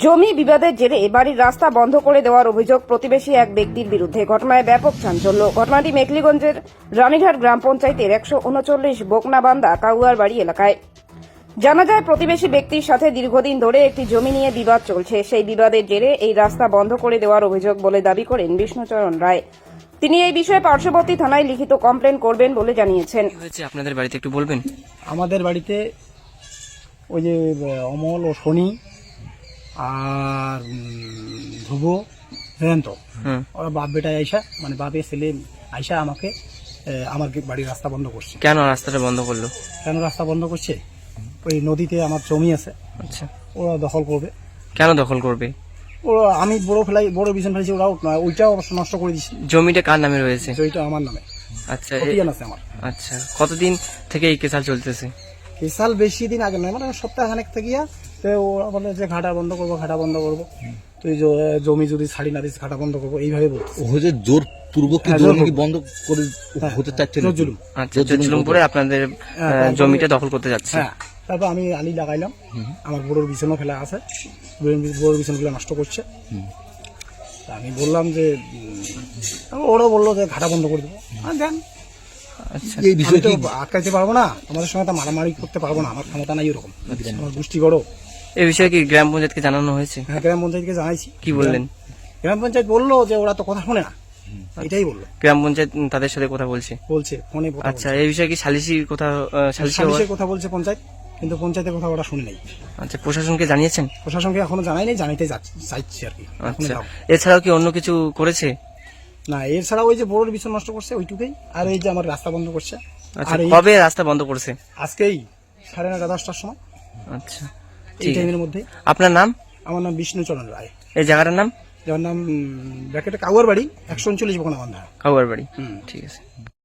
জমি বিবাদের জেরে বাড়ির রাস্তা বন্ধ করে দেওয়ার অভিযোগ প্রতিবেশী এক ব্যক্তির বিরুদ্ধে। ঘটনায় ব্যাপক চাঞ্চল্য। ঘটনাটি মেখলিগঞ্জের রানীঘাট গ্রাম পঞ্চায়েতের 139 বোকনাবান্ধা কাউয়ার বাড়ি এলাকায়। জানা যায়, প্রতিবেশী ব্যক্তির সাথে দীর্ঘদিন ধরে একটি জমি নিয়ে বিবাদ চলছে। সেই বিবাদের জেরে এই রাস্তা বন্ধ করে দেওয়ার অভিযোগ বলে দাবি করেন বিষ্ণুচরণ রায়। তিনি এই বিষয়ে পার্শ্ববর্তী থানায় লিখিত কমপ্লেন করবেন বলে জানিয়েছেন। কি হয়েছে আপনাদের বাড়িতে একটু বলবেন? আমাদের বাড়িতে ওই যে অমল ও শনি আর ধ্রুব জয়ন্ত ওরা বাপ বেটায় আইসা, মানে বাপের ছেলে আইসা আমাকে আমার বাড়ির রাস্তা বন্ধ করছে। কেন রাস্তাটা বন্ধ করলো? কেন রাস্তা বন্ধ করছে? ওই নদীতে আমার জমি আছে, আচ্ছা, ওরা দখল করবে। কেন দখল করবে? ওরা আমি বড় বিছন ফেলেছি, ওরাও ওইটাও অবশ্য নষ্ট করে দিচ্ছে। জমিটা কার নামে রয়েছে? জমিটা আমার নামে। আচ্ছা, খতিয়ান আছে আমার। আচ্ছা, কতদিন থেকে এই কেসাল চলতেছে? এই সাল বেশি দিন আগে নয়, মানে সপ্তাহখানেক থেকে তো ওরা বলে যে ঘাটা বন্ধ করবো, ঘাটা বন্ধ করবো, তুই জমি যদি ছাড়ি না দিস ঘাটা বন্ধ করবো, এইভাবে বলছে। হচ্ছে জোর পূর্বক কি জমি কি বন্ধ করে হতে চাচ্ছে না? জুলুম। আচ্ছা, জুলুম করে আপনাদের জমিটা দখল করতে যাচ্ছে। হ্যাঁ, তারপর আমি আলি লাগাইলাম, আমার বড়োর বিছনও ফেলা আছে, বড়োর বিছনগুলো নষ্ট করছে। তা আমি বললাম যে ওরা বললো যে ঘাটা বন্ধ করে দেবো। দেন, আচ্ছা, এই বিষয়ে আমি তো আটকাইতে পারবো না, তোমাদের সঙ্গে তো মারামারি করতে পারবো না, আমার ক্ষমতা নাই ওরকম, আমার গোষ্ঠী গড়ো। এই বিষয়ে কি গ্রাম পঞ্চায়েতকে জানানো হয়েছে? হ্যাঁ, গ্রাম পঞ্চায়েতকে জানাইছি। কি বললেন? গ্রাম পঞ্চায়েত বললো যে ওরা তো কথা শোনে না, এটাই বললো। গ্রাম পঞ্চায়েত তাদের সাথে কথা বলছে? বলছে ফোনে কথা আচ্ছা, এই বিষয়ে কি সালিসির কথা সালিশের কথা বলছে পঞ্চায়েত, কিন্তু পঞ্চায়েতের কথা ওরা শুনে নাই। আচ্ছা, প্রশাসনকে জানিয়েছেন? প্রশাসনকে এখনো জানাই নাই, জানাইতে চাইছি আর কি। এখনো আচ্ছা, যাও। এছাড়াও কি অন্য কিছু করেছে? না, এর ছাড়া ওই যে বড়োর বিছন নষ্ট করছে ওইটুকুই, আর এই যে আমার রাস্তা বন্ধ করছে। আচ্ছা, আর এই কবে রাস্তা বন্ধ করছে? আজকেই 9:30-10টার সময়, আচ্ছা, এই ঠিক আছে। টাইমের মধ্যে। আপনার নাম? আমার নাম বিষ্ণুচরণ রায়। এই জায়গাটার নাম? যার নাম ব্র্যাকেটে কাউয়ার বাড়ি, 139 বোকনাবান্ধা। কাউয়ার বাড়ি। ঠিক আছে।